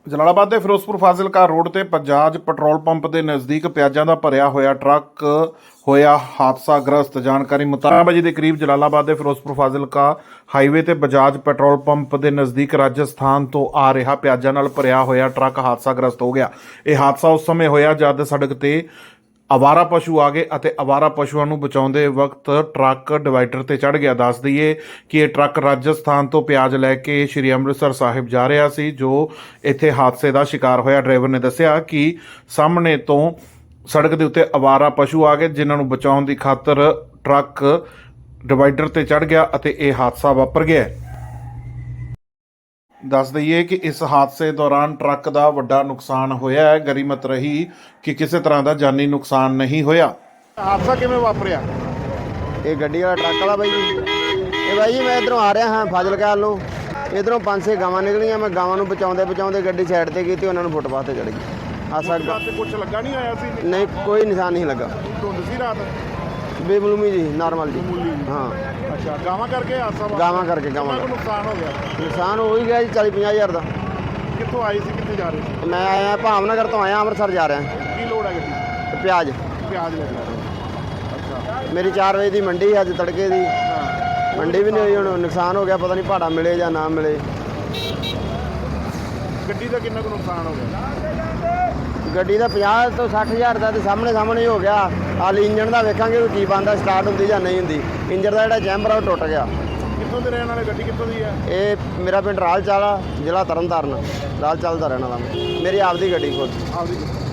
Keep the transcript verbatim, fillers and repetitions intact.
ਜਲਾਲਾਬਾਦ ਦੇ ਫਿਰੋਜ਼ਪੁਰ ਫਾਜ਼ਿਲਕਾ ਰੋਡ ਤੇ Bajaj petrol pump ਦੇ ਨਜ਼ਦੀਕ ਪਿਆਜ਼ਾਂ ਦਾ ਭਰਿਆ ਹੋਇਆ ਟਰੱਕ ਹੋਇਆ ਹਾਦਸਾਗ੍ਰਸਤ। ਜਾਣਕਾਰੀ ਮੁਤਾਬਕ ਵਜੇ ਦੇ ਕਰੀਬ ਜਲਾਲਾਬਾਦ ਦੇ ਫਿਰੋਜ਼ਪੁਰ ਫਾਜ਼ਿਲਕਾ ਹਾਈਵੇ ਤੇ ਬਜਾਜ ਪੈਟਰੋਲ ਪੰਪ ਦੇ ਨਜ਼ਦੀਕ ਰਾਜਸਥਾਨ ਤੋਂ ਆ ਰਿਹਾ ਪਿਆਜ਼ਾਂ ਨਾਲ ਭਰਿਆ ਹੋਇਆ ਟਰੱਕ ਹਾਦਸਾਗ੍ਰਸਤ ਹੋ ਗਿਆ। ਇਹ ਹਾਦਸਾ ਉਸ ਸਮੇਂ ਹੋਇਆ ਜਦ ਸੜਕ ਤੇ ਆਵਾਰਾ ਪਸ਼ੂ ਆ ਗਏ ਅਤੇ ਆਵਾਰਾ ਪਸ਼ੂਆਂ ਨੂੰ ਬਚਾਉਂਦੇ ਵਕਤ ਟਰੱਕ ਡਿਵਾਈਡਰ ਤੇ ਚੜ੍ਹ ਗਿਆ। ਦੱਸ ਦਈਏ ਕਿ ਇਹ ਟਰੱਕ ਰਾਜਸਥਾਨ ਤੋਂ ਪਿਆਜ਼ ਲੈ ਕੇ ਸ਼੍ਰੀ ਅੰਮ੍ਰਿਤਸਰ ਸਾਹਿਬ ਜਾ ਰਿਹਾ ਸੀ, ਜੋ ਇੱਥੇ ਹਾਦਸੇ ਦਾ ਸ਼ਿਕਾਰ ਹੋਇਆ। ਡਰਾਈਵਰ ਨੇ ਦੱਸਿਆ ਕਿ ਸਾਹਮਣੇ ਤੋਂ ਸੜਕ ਦੇ ਉੱਤੇ ਆਵਾਰਾ ਪਸ਼ੂ ਆ ਗਏ, ਜਿਨ੍ਹਾਂ ਨੂੰ ਬਚਾਉਣ ਦੀ ਖਾਤਰ ਟਰੱਕ ਡਿਵਾਈਡਰ ਤੇ ਚੜ੍ਹ ਗਿਆ ਅਤੇ ਇਹ ਹਾਦਸਾ ਵਾਪਰ ਗਿਆ। ਦੱਸ ਦਈਏ ਕਿ ਇਸ ਹਾਦਸੇ ਦੌਰਾਨ ਟਰੱਕ ਦਾ ਵੱਡਾ ਨੁਕਸਾਨ ਹੋਇਆ ਹੈ। ਗਰੀਮਤ ਰਹੀ ਕਿ ਕਿਸੇ ਤਰ੍ਹਾਂ ਦਾ ਜਾਨੀ ਨੁਕਸਾਨ ਨਹੀਂ ਹੋਇਆ। ਹਾਦਸਾ ਕਿਵੇਂ ਵਾਪਰਿਆ? ਇਹ ਗੱਡੀ ਵਾਲਾ ਟਰੱਕ ਵਾਲਾ ਬਾਈ ਜੀ, ਇਹ ਬਾਈ ਜੀ ਮੈਂ ਇੱਧਰੋਂ ਆ ਰਿਹਾ ਹਾਂ ਫਾਜ਼ਿਲਕਾ ਵੱਲੋਂ। ਇੱਧਰੋਂ ਪੰਜ ਛੇ ਗਾਵਾਂ ਨਿਕਲੀਆਂ, ਮੈਂ ਗਾਵਾਂ ਨੂੰ ਬਚਾਉਂਦੇ ਬਚਾਉਂਦੇ ਗੱਡੀ ਸਾਈਡ ਤੇ ਕੀਤੀ, ਉਹਨਾਂ ਨੂੰ ਫੁੱਟਪਾਥ ਤੇ ਚੜ੍ਹ ਗਈ। ਹਾਦਸਾ ਕੁਝ ਲੱਗਾ ਨਹੀਂ ਆਇਆ ਸੀ? ਨਹੀਂ, ਕੋਈ ਨਿਸ਼ਾਨ ਨਹੀਂ ਲੱਗਾ। ਧੁੰਦ ਸੀ ਰਾਤ? ਬੇਮਲੂਮੀ ਜੀ, ਨਾਰਮਲ ਜੀ। ਹਾਂ ਅੱਛਾ, ਗਾਵਾਂ ਕਰਕੇ ਹਾਦਸਾ? ਗਾਵਾਂ ਕਰਕੇ ਗਾਵਾਂ ਕਿੰਨਾ ਕੁ ਨੁਕਸਾਨ ਹੋ ਗਿਆ? ਨੁਕਸਾਨ ਹੋ ਹੀ ਗਿਆ ਜੀ ਚਾਲੀ ਪੰਜਾਹ ਹਜ਼ਾਰ ਦਾ। ਕਿੱਥੋਂ ਆਏ ਸੀ, ਕਿੱਥੇ ਜਾ ਰਹੇ ਸੀ? ਮੈਂ ਆਇਆ ਭਾਵਨਗਰ ਤੋਂ, ਆਇਆ ਅੰਮ੍ਰਿਤਸਰ ਜਾ ਰਿਹਾ। ਕੀ ਲੋੜ ਹੈ ਗੱਡੀ? ਪਿਆਜ਼ ਪਿਆਜ਼ ਲੈ ਜਾ ਰਹੇ। ਅੱਛਾ, ਮੇਰੀ ਚਾਰ ਵਜੇ ਦੀ ਮੰਡੀ ਅੱਜ ਤੜਕੇ ਦੀ ਹਾਂ। ਮੰਡੀ ਵੀ ਨਹੀਂ ਹੋਈ, ਹੁਣ ਨੁਕਸਾਨ ਹੋ ਗਿਆ, ਪਤਾ ਨਹੀਂ ਭਾੜਾ ਮਿਲੇ ਜਾਂ ਨਾ ਮਿਲੇ। ਗੱਡੀ ਦਾ ਕਿੰਨਾ ਕੁ ਨੁਕਸਾਨ ਹੋ ਗਿਆ? ਗੱਡੀ ਦਾ ਪੰਜਾਹ ਤੋਂ ਸੱਠ ਹਜ਼ਾਰ ਦਾ ਤੇ ਸਾਹਮਣੇ ਸਾਹਮਣੇ ਹੀ ਹੋ ਗਿਆ। ਹਾਲ ਇੰਜਣ ਦਾ ਵੇਖਾਂਗੇ ਵੀ ਕੀ ਬਣਦਾ, ਸਟਾਰਟ ਹੁੰਦੀ ਜਾਂ ਨਹੀਂ ਹੁੰਦੀ। ਇੰਜਣ ਦਾ ਜਿਹੜਾ ਚੈਂਬਰ ਆ ਉਹ ਟੁੱਟ ਗਿਆ। ਕਿੱਥੋਂ ਦੇ ਰਹਿਣ ਵਾਲੇ? ਗੱਡੀ ਕਿੱਥੋਂ ਦੀ ਹੈ? ਇਹ ਮੇਰਾ ਪਿੰਡ ਰਾਲ ਚਾਲਾ, ਜ਼ਿਲ੍ਹਾ ਤਰਨਤਾਰਨ। ਰਾਲ ਚਾਲ ਦਾ ਰਹਿਣ ਵਾਲਾ ਮੈਂ। ਮੇਰੀ ਆਪਦੀ ਗੱਡੀ ਖੁਦ। ਆਪਦੀ